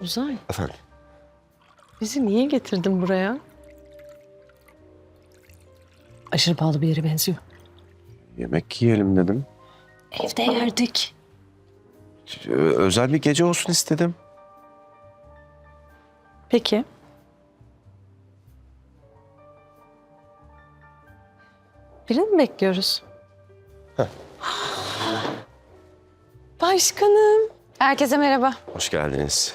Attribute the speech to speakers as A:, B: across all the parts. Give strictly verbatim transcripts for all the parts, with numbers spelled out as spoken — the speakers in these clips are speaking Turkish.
A: Uzay,
B: Efendim?
A: bizi niye getirdin buraya? Aşırı pahalı bir yere benziyor.
B: Yemek yiyelim dedim.
A: Evde yerdik.
B: Ö- özel bir gece olsun istedim.
A: Peki. Birini mi bekliyoruz?
B: Heh.
A: Başkanım.
C: Herkese merhaba.
B: Hoş geldiniz.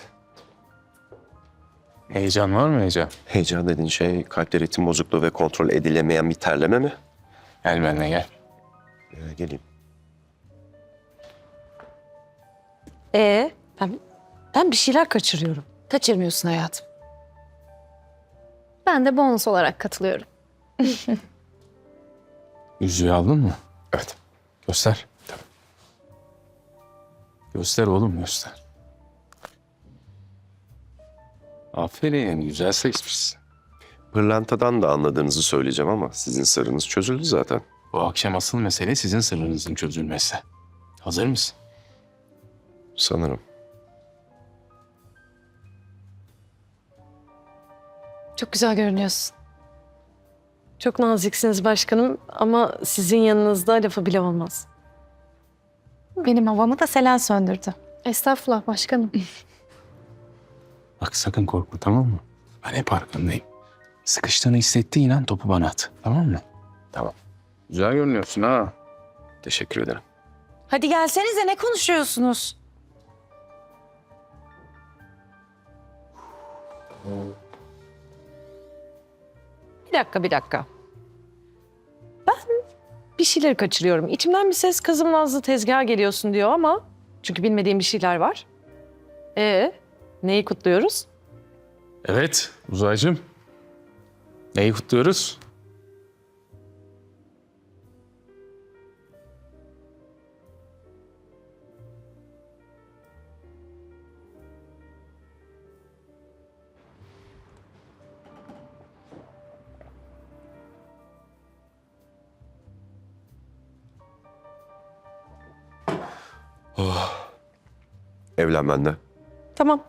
D: Heyecan var mı heyecan?
B: Heyecan dediğin şey kalpte ritim bozukluğu ve kontrol edilemeyen bir terleme mi?
D: Gel benimle gel.
B: Ee, geleyim.
A: Ee, ben, ben bir şeyler kaçırıyorum.
C: Kaçırmıyorsun hayatım. Ben de bonus olarak katılıyorum.
D: Yüzüğü aldın mı?
B: Evet.
D: Göster. Tabii. Göster oğlum göster. Aferin güzel seçmişsin.
B: Pırlantadan da anladığınızı söyleyeceğim ama sizin sırrınız çözüldü zaten.
D: Bu akşam asıl mesele sizin sırrınızın çözülmesi. Hazır mısın?
B: Sanırım.
C: Çok güzel görünüyorsun.
A: Çok naziksiniz başkanım ama sizin yanınızda lafı bile olmaz.
C: Benim havamı da Selen söndürdü. Estağfurullah başkanım.
D: Bak sakın korkma tamam mı? Ben hep arkandayım. Sıkıştığını hissettiğin an topu bana at. Tamam mı? Tamam. Güzel görünüyorsun ha.
B: Teşekkür ederim.
C: Hadi gelsenize ne konuşuyorsunuz?
A: Bir dakika, bir dakika. Ben bir şeyleri kaçırıyorum. İçimden bir ses kızım Nazlı tezgaha geliyorsun diyor ama... Çünkü bilmediğim bir şeyler var. Ee, neyi kutluyoruz?
D: Evet Uzaycığım. Neyi kutluyoruz?
B: Evlen benimle.
A: Tamam.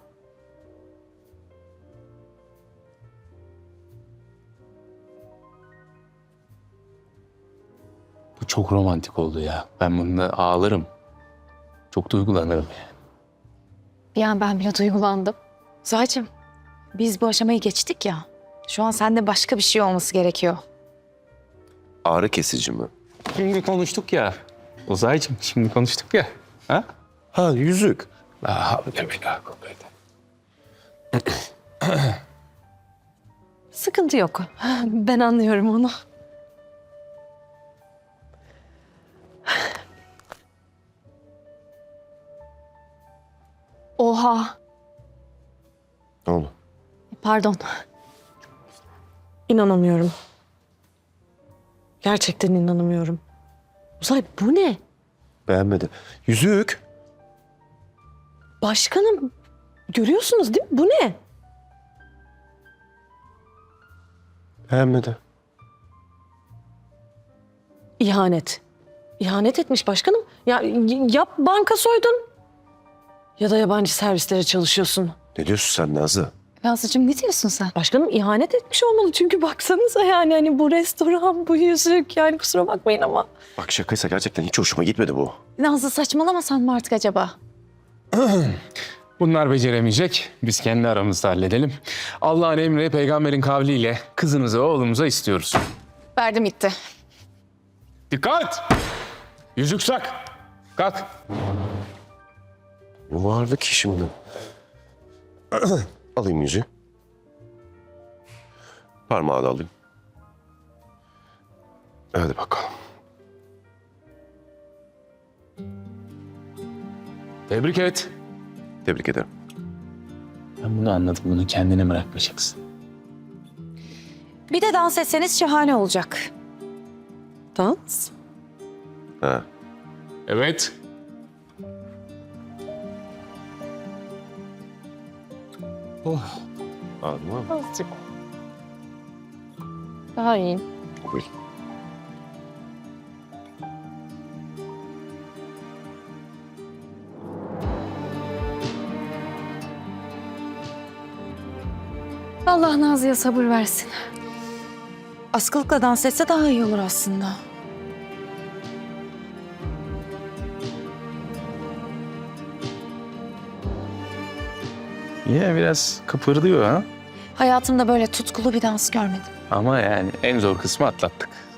D: Bu çok romantik oldu ya. Ben bunda ağlarım. Çok duygulanırım yani.
C: Bir an ben bile duygulandım. Zahacığım, biz bu aşamayı geçtik ya. Şu an sende başka bir şey olması gerekiyor.
B: Ağrı kesici mi?
D: Şimdi konuştuk ya. Uzaycığım şimdi konuştuk ya. Ha?
B: Ha yüzük.
D: Daha bile bile kuvvete.
A: Sıkıntı yok. Ben anlıyorum onu.
C: Oha.
B: Ne oldu?
C: Pardon.
A: İnanamıyorum. Gerçekten inanamıyorum. Uzay bu ne?
B: Beğenmedi. Yüzük.
A: Başkanım görüyorsunuz değil mi? Bu ne?
B: Beğenmedi.
A: İhanet. İhanet etmiş başkanım. Ya y- yap banka soydun. Ya da yabancı servislere çalışıyorsun.
B: Ne diyorsun sen Nazlı?
C: Nazlıcığım ne diyorsun sen?
A: Başkanım ihanet etmiş olmalı çünkü baksanıza yani hani bu restoran, bu yüzük yani kusura bakmayın ama.
B: Bak şakaysa gerçekten hiç hoşuma gitmedi bu.
C: Nazlı saçmalamasan mı artık acaba?
D: Bunlar beceremeyecek. Biz kendi aramızda halledelim. Allah'ın emri peygamberin kavliyle kızınızı oğlumuza istiyoruz.
C: Verdim gitti.
D: Dikkat! Yüzük sak. Kalk.
B: Bu varlık ki şimdi. Alayım yüzüğü. Parmağı da alayım. Hadi bakalım.
D: Tebrik et.
B: Tebrik ederim.
D: Ben bunu anladım. Bunu kendine bırakmayacaksın.
C: Bir de dans etseniz şahane olacak.
A: Dans.
B: Ha.
D: Evet. Oh.
B: Anladın mı?
A: Azıcık. Daha iyi.
B: Buyur.
C: Allah Nazlı'ya sabır versin. Askılıkla dans etse daha iyi olur aslında.
D: Yine biraz kıpırdıyor ha.
C: Hayatımda böyle tutkulu bir dans görmedim.
D: Ama yani en zor kısmı atlattık.